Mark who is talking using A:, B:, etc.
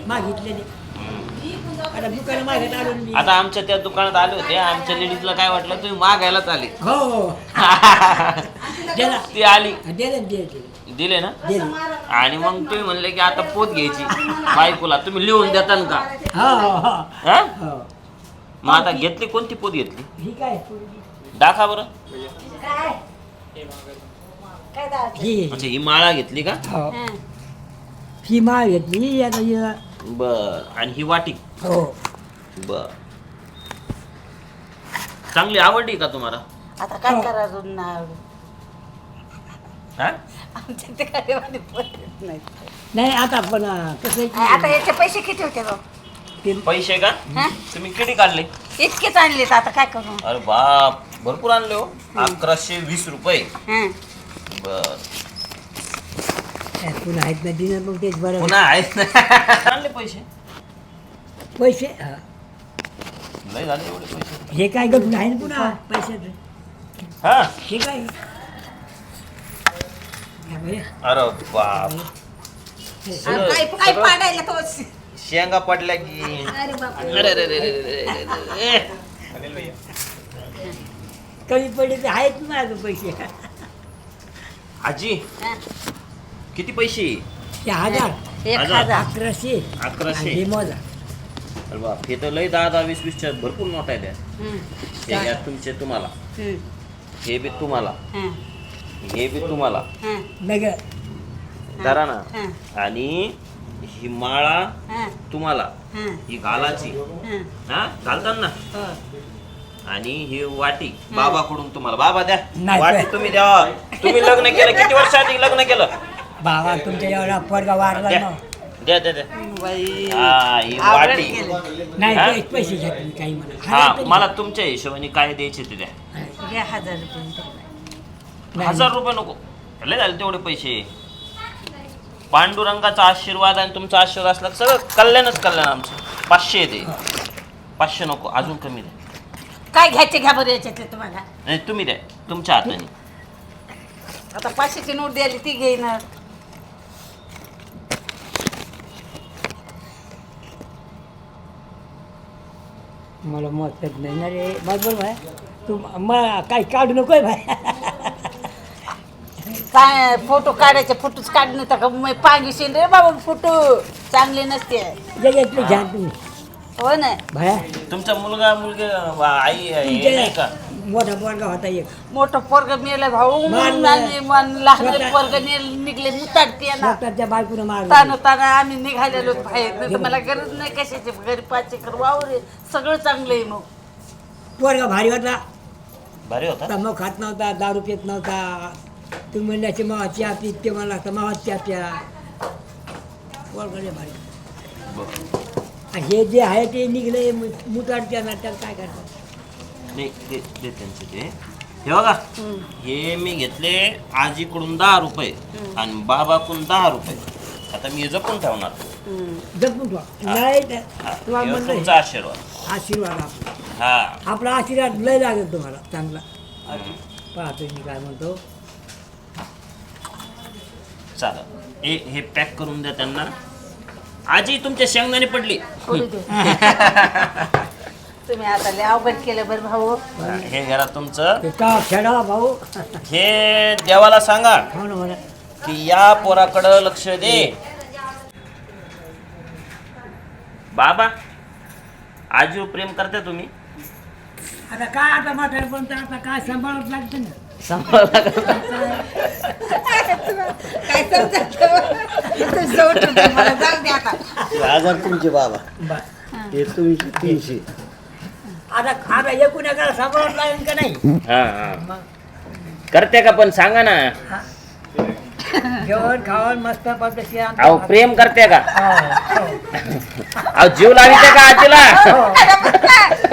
A: मागितलेली आता दुकान मागत आलो मी.
B: आता आमच्या त्या दुकानात आले होते, आमच्या लेडीजला काय वाटलं तुम्ही मागायलाच आले.
A: हो हो दिला
B: ती आली,
A: दिले
B: दिले ना.
A: दिले
B: आणि मग तुम्ही म्हणले की आता पोत घ्यायची बायकोला, तुम्ही लिहून देताल का?
A: हो हो हो
B: हा?
A: हो
B: मग आता घेतली, कोणती पोत घेतली
A: ही काय
B: दाखवा बरं.
A: ही
B: अच्छा, ही माळा घेतली का?
A: हो ही माळ घेतली आता ही
B: बर. आणि ही वाटी
A: हो
B: बर. चांगली आवडली का तुम्हाला?
C: आता काय करायचं नाही
B: हा?
C: आमच्या ते काय पद्धत नाही.
A: नाही आता पण कसं आहे
C: आता
A: की
C: याचे पैसे किती होते गं?
A: ते
B: पैसे का?
C: हा?
B: तुम्ही किती काढले?
C: इतकेच आणलेत, आता काय करू?
B: अरे बाप, भरपूर आणले हो. 1120 रुपये.
C: हं.
B: बर.
A: पुन्हा आहेत ना दिनं मग तेच बरं
B: पुन्हा आहेत ना. आणले पैसे
A: पैसे हा.
B: लय झाले एवढे पैसे.
A: हे काय गप आहे ना पुन्हा पैशाचं
B: हा.
A: हे काय हा बरं.
B: अरे बाप,
C: आणि काय पाडायला तो
B: शेंगा पडल्या की.
C: अरे बाप
B: अरे अरे अरे अरे अरे.
A: कमी पडले तर आहेत ना अजून पैसे
B: आजी किती पैसे?
A: ते 1000
C: 1000
A: 1100
B: 1100.
A: हे मोजा
B: अरे बाप, हे तर लय 10 20 भरपूर नोट आहे त्या.
C: हं.
B: हे घ्या तुमचे तुम्हाला,
C: हं.
B: हे बी तुम्हाला,
C: हं.
B: हे बी तुम्हाला.
C: हं.
A: नग
B: धरा ना.
C: हं.
B: आणि ही माळा
C: हं.
B: तुम्हाला,
C: हं.
B: ही घालाची.
C: हं.
B: हा, घालतात ना.
C: हो.
B: आणि ही वाटी बाबाकडून तुम्हाला. बाबा द्या
A: नाही,
B: वाटी,
A: नाही.
B: तुम्ही द्या. तुम्ही लग्न केलं किती वर्ष आधी लग्न केलं?
A: बाबा तुमच्या एवढा पोरगा वारला
B: द्या
A: ना
B: द्या द्या द्या.
C: बाई
B: हा, ही
C: आवडत
B: वाटी.
C: गेलं.
A: नाही
B: हा?
A: पैसे घेत नाही काही म्हणा
B: हा, मला तुमच्या हिशोबाने काय द्यायचे ते द्या.
C: घ्या 1000 रुपये.
B: 1000 रुपये नको, लय झाले तेवढे पैसे. पांडुरंगाचा आशीर्वाद आणि तुमचा आशीर्वाद असला तर सगळं कल्याणच कल्याण आमचं. 500 दे. 500 नको, अजून कमी द्या.
C: काय घ्यायचे घ्या बरं याच्यातले तुम्हाला.
B: नाही तुम्ही द्या तुमच्या हाताने.
C: आता 500ची नोट द्यायली ती घेणार.
A: मला मत नाही ना रे बरोबर भाई तू मला काही काढू नकोय भाई
C: काय फोटो काढायचे, फोटोच काढणे तर मग पांगिशील रे बाबा, फोटो चांगले नसते.
A: जगातले घ्या तुम्ही
C: हो ना.
A: भाया
B: तुमचा मुलगा मुलगी आई हे नाही का?
A: मोठा पोरगा होता एक
C: मोठं पोरग मेलं भाऊ,
A: मान-
C: आणि लहान
A: स्वतः-
C: पोरग निघले मुताडते ना.
A: स्वतःच्या बायकोनं मारलं
C: ताना ताना आम्ही निघालेलो बाहेर, नाही तर मला गरज नाही कशाची. घरी 5 एकर वावर आहे, सगळं चांगलं आहे. मग
A: पोरगा भारी होता,
B: भारी होता.
A: तंबाखू खात नव्हता, दारू पित नव्हता. तुम्ही म्हणल्याचे मावा चहा पीत ते मला लागतं मावा चहा प्या. पोरगा लय भारी.
B: बरं.
A: आणि हे जे आहे ते निघले मुताडच्या ना त्याला काय करतात.
B: नाही दे दे त्यांचे ते. हे बघा, हे मी घेतले आजीकडून 10 रुपये आणि बाबाकडून 10 रुपये. आता मी हे जपून ठेवणार.
A: जपून ठेवा. नाही तर
B: हा,
A: तुम्हाला
B: हे
A: म्हणलं
B: तुमचा आशीर्वाद.
A: आशीर्वाद आपला
B: हा.
A: आपला आशीर्वाद लय लागेल तुम्हाला चांगला. पाहतो मी काय म्हणतो.
B: चालेल. हे पॅक करून द्या त्यांना. आजी तुमच्या शेंगदाणे पडली.
C: करू दे. तुम्ही आता लय अवघड केलं बरं भाऊ.
B: हे घरा तुमचं.
A: ते का खेळा भाऊ.
B: हे देवाला सांगा
A: हो ना म्हणा.
B: की या पोराकडं लक्ष दे. बाबा आजीवर प्रेम करता तुम्ही?
A: आता काय आता म्हातारे पण तर आता काय सांभाळत लागतं ना.
C: काय समजत मला जाऊ दे आता.
D: 1000 तुमचे बाबा,
A: बरं.
D: हे तुमचे 300.
A: आता आता एकूण एकाला सांभाळत लागेल का नाही.
B: हा हा. करते का पण सांगा ना.
A: जेवण खावण मस्त पद्धतशीर
B: अहो प्रेम करते का?
A: हो, हो.
B: अहो जीव लाविते का आजीला?
A: हो.